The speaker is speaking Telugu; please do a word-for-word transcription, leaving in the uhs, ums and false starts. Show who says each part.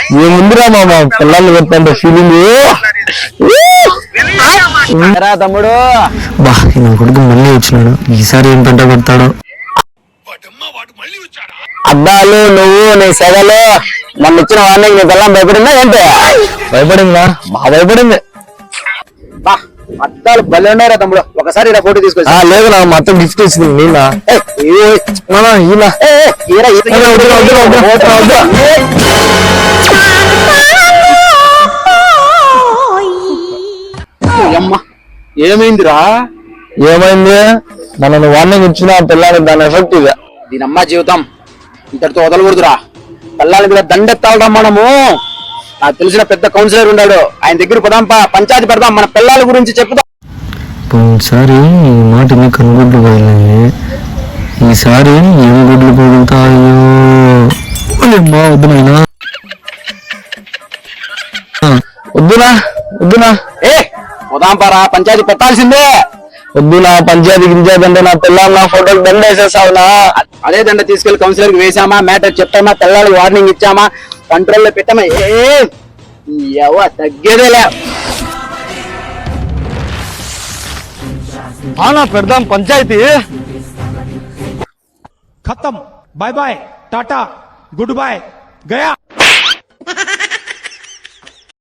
Speaker 1: ఏముందిరా మామ పిల్లలు పెడతాంటే ఫీలింగ్
Speaker 2: తమ్ముడు.
Speaker 1: బా నా కొడుకు మళ్ళీ వచ్చినాడు, ఈసారి ఏం పంట పెడతాడు. అద్దాలు నువ్వు నీ సెగలు నన్ను ఇచ్చిన వార్నింగ్ నీ పిల్లం భయపడిందా ఏంటి? భయపడిందా? బాగా భయపడింది.
Speaker 2: అద్దాలు భలే ఉన్నారా తమ్ముడు, ఒకసారి ఇలా ఫోటో తీసుకొచ్చా.
Speaker 1: లేదు నా మొత్తం గిఫ్ట్ ఇచ్చింది నీలా.
Speaker 2: ఏమైందిరా?
Speaker 1: ఏమైంది? మనల్ని వార్నింగ్ ఇచ్చిన పిల్లని దాని ఎఫెక్ట్ ఇది.
Speaker 2: దీనమ్మ జీవితం ఇంతటితో వదలకూడదురా. పిల్లల మీద దండెత్తాలరా మనము. నాకు తెలిసిన పెద్ద కౌన్సిలర్ ఉన్నాడు, ఆయన దగ్గర పోదాంపా, పంచాయతీ పెడదాం, మన పిల్లల గురించి చెప్పుదాం.
Speaker 1: పోయినసారి ఈ మాట మీ కనుగుడ్లు పోయాయి, ఈసారి ఏం గుడ్లు పగులుతాయో. అమ్మా వద్దునైనా వద్దునా వద్దునా
Speaker 2: ఏ పోదాంపారా, పంచాయతీ పెట్టాల్సిందే.
Speaker 1: వద్దునా పంచాయతీ గింజాయతీ అంటే నా పిల్లలు నా ఫోటోలు దండ వేసేసావునా.
Speaker 2: అదే దండ తీసుకెళ్లి కౌన్సిలర్ కి వేసామా, మ్యాటర్ చెప్పామా, పిల్లలకి వార్నింగ్ ఇచ్చామా, కంట్రోల్లో పెట్టామా, ఏ తగ్గేదేలే.
Speaker 1: పెడదాం పంచాయతీ.
Speaker 3: खत्म, बाय बाय, टाटा, गुड बाय, गया.